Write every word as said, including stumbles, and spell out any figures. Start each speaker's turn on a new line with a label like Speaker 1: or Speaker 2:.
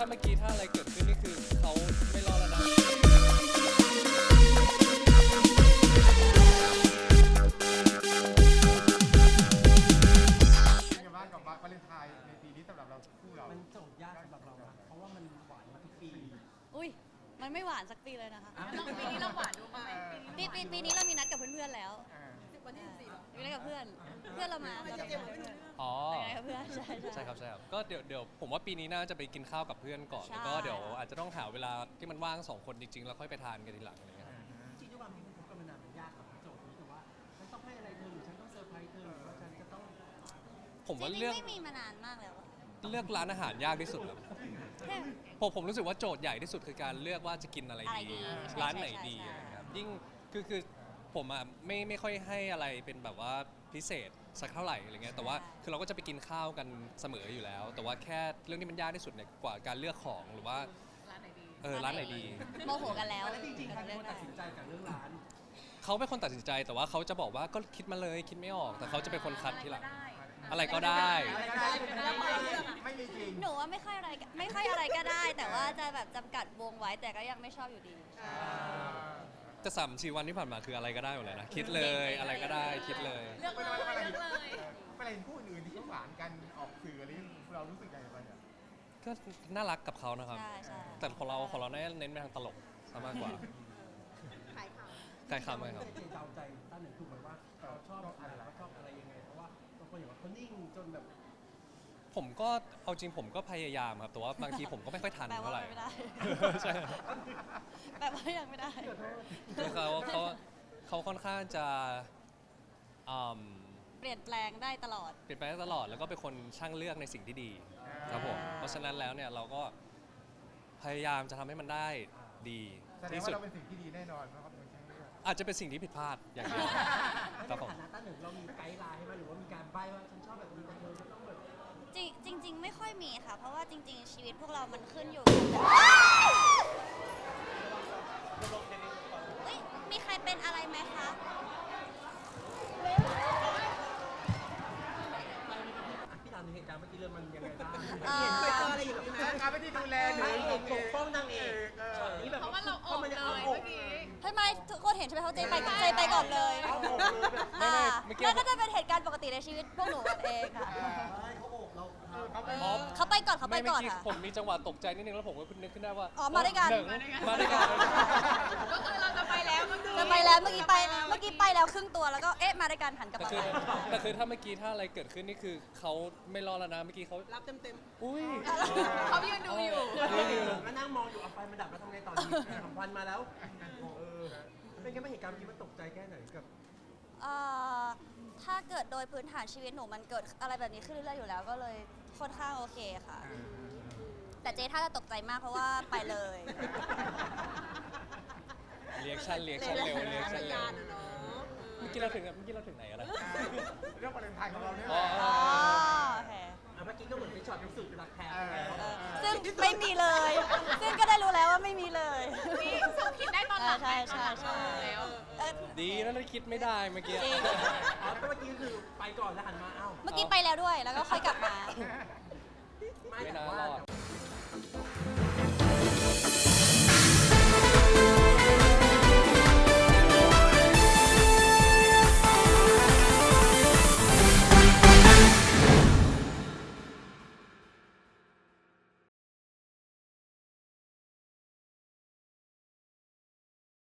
Speaker 1: าเมื่อกี้ถ้าอะไรเกิดขึ้นนี่คือเขาไม่รอดแล้วนะ
Speaker 2: ยังบ้านกับวาเลนไทน์ในปีนี้สำหรับเราคู่เรา
Speaker 3: มันโจทย์ยากสำหรับเรานะเพราะว่ามันหวานมาทุกปี
Speaker 4: อุ้ยมันไม่หวานสักปีเลยนะคะ
Speaker 5: ปีนี้เราหวานดูไหม
Speaker 4: ปีปีปีนี้เรามีนัดกับเพื่อนๆแล้ว
Speaker 5: วันที่สิบสี่หรอ
Speaker 4: มีนัดกับเพื่อน เพื่อนเรามาเราจะเจอเพื่อน
Speaker 1: อ๋อ
Speaker 4: ไปกับเพื่อนใช่
Speaker 1: ใช่ครับใช่ครับก็เดี๋ยวเดี๋ยวผมว่าปีนี้น่าจะไปกินข้าวกับเพื่อนก่อน
Speaker 4: ใช่
Speaker 1: แล้วก็เดี๋ยวอาจจะต้องหาเวลาที่มันว่างสองคนจริงๆแล้วค่อยไปทานกันทีหลังอะไรเงี้ยครับ
Speaker 3: จริงๆด้วยความที่มันคบกันมานานมันยากกับโจทย์นี้แต่ว่าฉันต้องให้อะไรเธอหรือฉันต้องเซอร์ไพรส์เธอหรือว่าฉันจะต้อง
Speaker 1: ผม
Speaker 4: จ
Speaker 1: ว่า
Speaker 4: ริง
Speaker 1: เลื
Speaker 4: ๆ
Speaker 1: อก
Speaker 4: ไม่มีมานานมากแล้วอะ
Speaker 1: เลือกร้านอาหารยากที่สุดครับ
Speaker 4: แค่
Speaker 1: ผมผมรู้สึกว่าโจทย์ใหญ่ที่สุดคือการเลือกว่าจะกินอะไร
Speaker 4: อะไร
Speaker 1: ดี
Speaker 4: ดีใช่
Speaker 1: ร้านไหน
Speaker 4: ใช่
Speaker 1: ดี
Speaker 4: ใช่
Speaker 1: อะไรครับยิ่งคือคือผมอ่ะไม่ไม่ค่อยให้อะไรเป็นแบบว่าพิเศษสักเท่าไหร่อะไรเงี้ยแต่ว่าคือเราก็จะไปกินข้าวกันเสมออยู่แล้ว แต่ว่าแค่เรื่องที่มันยากที่สุดเนี่ยกว่าการเลือกของหรือว่า
Speaker 5: ร้านไหนดี
Speaker 1: เออร้านไหนดี
Speaker 4: โมโหกันแล้ว
Speaker 3: แล้วจริงๆใครเป็นคนตัดสินใจกับเรื่องร้าน
Speaker 1: เขาเป็นคนตัดสินใจแต่ว่าเขาจะบอกว่าก็คิดมาเลยคิดไม่ออก แต่เขาจะเป็นคนคัดทีหลัง
Speaker 5: ได้
Speaker 1: อะไรก็ได้
Speaker 2: อะไรก็ได้ไม่มีจริง
Speaker 4: หนูว่าไม่ค่อยอะไรไม่ค่อยอะไรก็ได้ แต่ว่าจะแบบจำกัดวงไว้แต่ก็ยังไม่ชอบอยู่ดี
Speaker 1: แต่สามสี่วันที่ผ่านมาคืออะไรก็ได้หมดเลยนะคิดเลยอะไรก็ได้คิดเลย
Speaker 5: เลือกเลยเลือกเลย
Speaker 2: เวลาเห็นคู่อื่นที่เขาหวานกันออกสื่ออะไรเรารู้สึกยังไงบ้างเนี่ย
Speaker 1: ก็น่ารักกับเขานะครับ
Speaker 4: ใช่ใช่
Speaker 1: แต่ของเราของเราเน้นไปทางตลกซะมากกว่า
Speaker 5: ขายข่าว
Speaker 1: ใครคำไหมครับ
Speaker 3: เจนเดาใจตั้งหนึ่งถูกไหมว่าเราชอบอะไรเราชอบอะไรยังไงเพราะว่าบางคนอย่างว่าเขานิ่งจนแบบ
Speaker 1: ผมก็เอาจริงผมก็พยายามครับแต่ว่าบางทีผมก็ไม่ค่อยทัน
Speaker 4: แปลว่า
Speaker 1: เท่าไหร่
Speaker 4: ไม่ได้
Speaker 1: ใช่
Speaker 4: แปลว่ายังไม่ได้
Speaker 1: คือเขาเขาเขาค่อนข้างจะอืม
Speaker 4: เปลี่ยนแปลงได้ตลอด
Speaker 1: เปลี่ยนแปลงได้ตลอดแล้วก็เป็นคนช่างเลือกในสิ่งที่ดีครับผมเพราะฉะนั้นแล้วเนี่ยเราก็พยายามจะทำให้มันได้ดี
Speaker 2: แสดง
Speaker 1: ที่
Speaker 2: ว่า
Speaker 1: สุด
Speaker 2: เราเป็นสิ่งที่ดีแน่นอนเพราะเขาเป็นช่างเลือก
Speaker 1: อาจจะเป็นสิ่งที่ผิดพลาดอย่างเดียว
Speaker 3: ใน
Speaker 1: ครับผม
Speaker 3: ฐานะตั้งหนึ่งเรามีไกด์ไลน์ให้ไหมหรือว่ามีการใบ้ว่าฉันชอบแบบนี้แต่เธอจะต้องแบบ
Speaker 4: จริงจริง ๆ ไม่ค่อยมีค่ะ เพราะว่าจริง ๆ ชีวิตพวกเรามันขึ้นอยู่เฮ้ยมีใครเป็นอะไรไหมคะ
Speaker 3: พี่ถามถึงเหตุการณ์เมื่อกี้เรื่องมันยังไงบ้าง
Speaker 4: เอ่อ
Speaker 3: เห็นไปเจออะไรอย่างนี้ไหม
Speaker 2: การไม่ได้ดูแลหรื
Speaker 3: ไม่
Speaker 2: อ
Speaker 3: เอกปกป้องนางเอกช็อตนี้แบบ
Speaker 5: เพราะว่าเราออกเลยเมื่อกี้
Speaker 4: ทำไมทุกคนเห็นใช่ไหมเขาเจไปเจไปก่อนเลย
Speaker 3: เอาอกเลยแบบ
Speaker 4: อ่า
Speaker 1: เมื่อกี้
Speaker 4: แล้วก็จะเป็นเหตุการณ์ปกติในชีวิตพวกหนูกันเองค่ะ
Speaker 3: เขาอกเรา
Speaker 2: เขาไป
Speaker 1: อ๋อ
Speaker 4: เขาไปก่อนเขาไป
Speaker 1: ไม่
Speaker 4: ก่อน
Speaker 1: เมื่อกี้
Speaker 4: ค่ะ
Speaker 1: ผมมีจังหวะตกใจนิดนึงแล้วผมก็นึกขึ้นได้ว่า
Speaker 4: อ๋อมาด้วยกัน
Speaker 1: หงมาด้วยกัน
Speaker 5: ก็คือเราจะไปแล้วก็คือ
Speaker 4: จะไปแล้วเมื่อกี้ไปเมื่อกี้ไปแล้วครึ่งตัวแล้วก็เอ๊ะมาด้วยกันหันกลับ
Speaker 1: แต่
Speaker 4: มา
Speaker 1: คือแต่คือถ้าเมื่อกี้ถ้าอะไรเกิดขึ้นนี่คือเขาไม่รอดแล้วนะเมื่อกี้เขา
Speaker 5: รับเต็มเต็ม
Speaker 1: อุ้ย
Speaker 5: ๆเขายืนดูอยู่
Speaker 3: ก็นั่งมองอยู่เอาไฟมันดับแล้วทำไงต่อดีสองพันมาแล้วเออเป็นไงบ้างเหตุการณ์เมื่อกี้มันตกใจแค่ไหนกับ
Speaker 4: เอ่อถ้าเกิดโดยพื้นฐานชีวิตหนูมันเกิดอะไรแบบนี้ขึ้นเรื่อยๆอยู่แล้วก็เลยค่อนข้างโอเคค่ะ แต่เจ๊ถ้าจะตกใจมากเพราะว่าไปเลย
Speaker 1: เรียกชันเรียกชันเร็วเรียกชันเร็ว
Speaker 5: เนาะ
Speaker 1: เมื่อกี้เราถึงเมื่อกี้เราถึงไหนกันนะ
Speaker 2: เรื่องวาเลนไทน์ของเราเนี่ย
Speaker 1: อ๋อ
Speaker 4: อ๋อโอเค
Speaker 3: อ่ะเมื่อกี้ก็เหมือนเป็นช็อตพิสูจน์รักแท้
Speaker 2: เออ
Speaker 4: เออซึ่งไม่มีเลย ซึ่งก็ได้รู้แล้วว่าไม่มีเลย
Speaker 5: นี่ส่งคิดได้ตอนหลัง
Speaker 4: ใช่ใช่ใช่
Speaker 5: แล้ว
Speaker 4: เอ่อ
Speaker 1: ดีนะเราคิดไม่ได้เมื่อกี้
Speaker 4: จริง
Speaker 3: อ๋อก็เมื่อกี้คือไปก่อนแล้วหันมาเอ้า
Speaker 4: เมื่อกี้ไปแล้วด้วยแล้วก็ค่อยกลับมา
Speaker 3: ไม่
Speaker 1: ไม่
Speaker 3: แต่
Speaker 1: น่า
Speaker 3: ว่าร
Speaker 1: อด